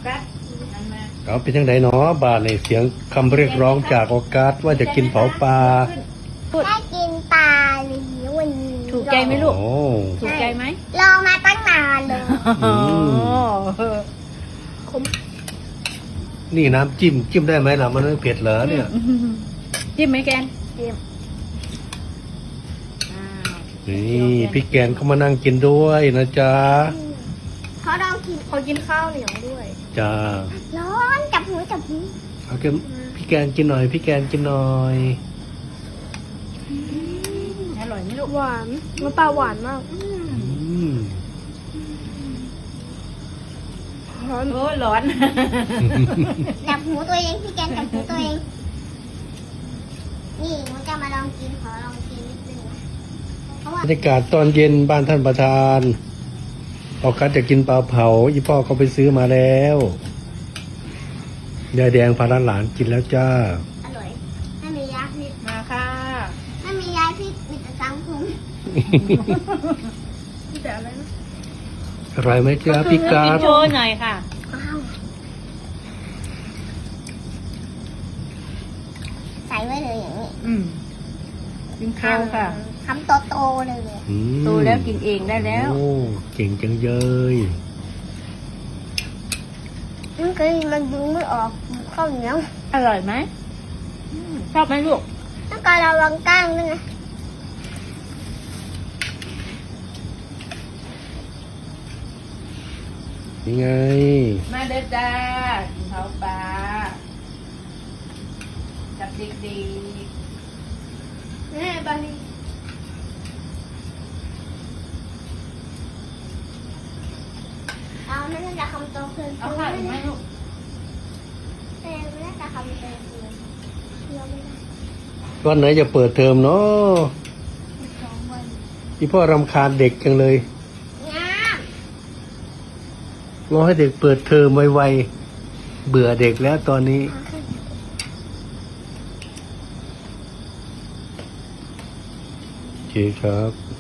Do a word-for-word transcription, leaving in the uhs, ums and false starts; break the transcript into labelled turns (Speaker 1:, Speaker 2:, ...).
Speaker 1: กัสนั่นมา
Speaker 2: เอาเป็นยังไงเนาะบาทในเสียงคำเรียกร้องจากออกัสว่าจะกินเผาปลา
Speaker 3: ได้กินปลาหรือวันนี้
Speaker 1: ถูกใจไหมลูก
Speaker 2: โอ้
Speaker 1: ถูกใจไหม
Speaker 3: รอมาตั้งนานเลย
Speaker 2: อืม นี่น้ำจิ้มจิ้มได้ไหมล่ะมันไม่เผ็ดเหรอเนี่ย
Speaker 1: จิ้มไหมแกน
Speaker 3: เดี๋ยว
Speaker 1: อ้าว
Speaker 2: นี่พี่แกนเขามานั่งกินด้วยนะจ๊ะ
Speaker 3: เขาลองกินเขากินข้าวเหนียวด้วย
Speaker 2: จ้า
Speaker 3: ร้อนจับหูจับหู
Speaker 2: เอาแกพี่แกนกินหน่อย พี่แกนกินหน่อย
Speaker 1: อร่อยไหมลูก
Speaker 3: หวานมันปลาหวานมาก
Speaker 2: อืม
Speaker 3: ร้อน
Speaker 1: โอ้ยร้อน
Speaker 3: จับหูตัวเองพี่แกนจับหูตัวเองนี่มันจะมาลองกินขอลองกินนิดนึงนะเพราะว่า
Speaker 2: บรรยากาศตอนเย็นบ้านท่านประธานออกัสจะกินปลาเผาอีพ่อเขาไปซื้อมาแล้วยายแดงพาหลานกินแล้วจ้า
Speaker 3: อร่อยไม่มียาพิษ
Speaker 1: มาค่ะ
Speaker 3: ไม่มียาพิษมีแต่สังคมมีแต่อะไรนะ
Speaker 2: อร่อยไหมจ้าพี่กา
Speaker 1: กิ
Speaker 2: ด
Speaker 1: นโชว์หน่อยค่ะ
Speaker 3: อ้าวใส่ไว้เลยอย่างนี้
Speaker 1: อืมกินข้าวค่ะ
Speaker 3: ทำโตๆเลย
Speaker 2: อืม
Speaker 1: โตแล้วกินเองได้แล้ว
Speaker 2: โอ้เก่งจังเลย
Speaker 3: มันคือมันดึงไม่ออกข้าวเหนียว
Speaker 1: อร่อยไหมอืมชอบไหมลูก
Speaker 3: ต้องการระวังก้างด้วยไง
Speaker 2: นี่ไง
Speaker 1: มาเด้อจ้ากินข้าวปลากับเด็ก
Speaker 3: แม่บาลีเอาไม่น่าจะคำโตขึ้น
Speaker 1: ๆเอาข้าวอีกไหมลูก
Speaker 3: แม่ไม่น่าจะคำโตขึ้นเที่ยวไม่ได้
Speaker 2: วันไหนจะเปิดเทอมเนาะ
Speaker 3: อีกสองวัน
Speaker 2: พี่พ่อรำคาญเด็กจังเลย
Speaker 3: งาม
Speaker 2: รอให้เด็กเปิดเทอมไวๆเบื่อเด็กแล้วตอนนี้ โอเคครับ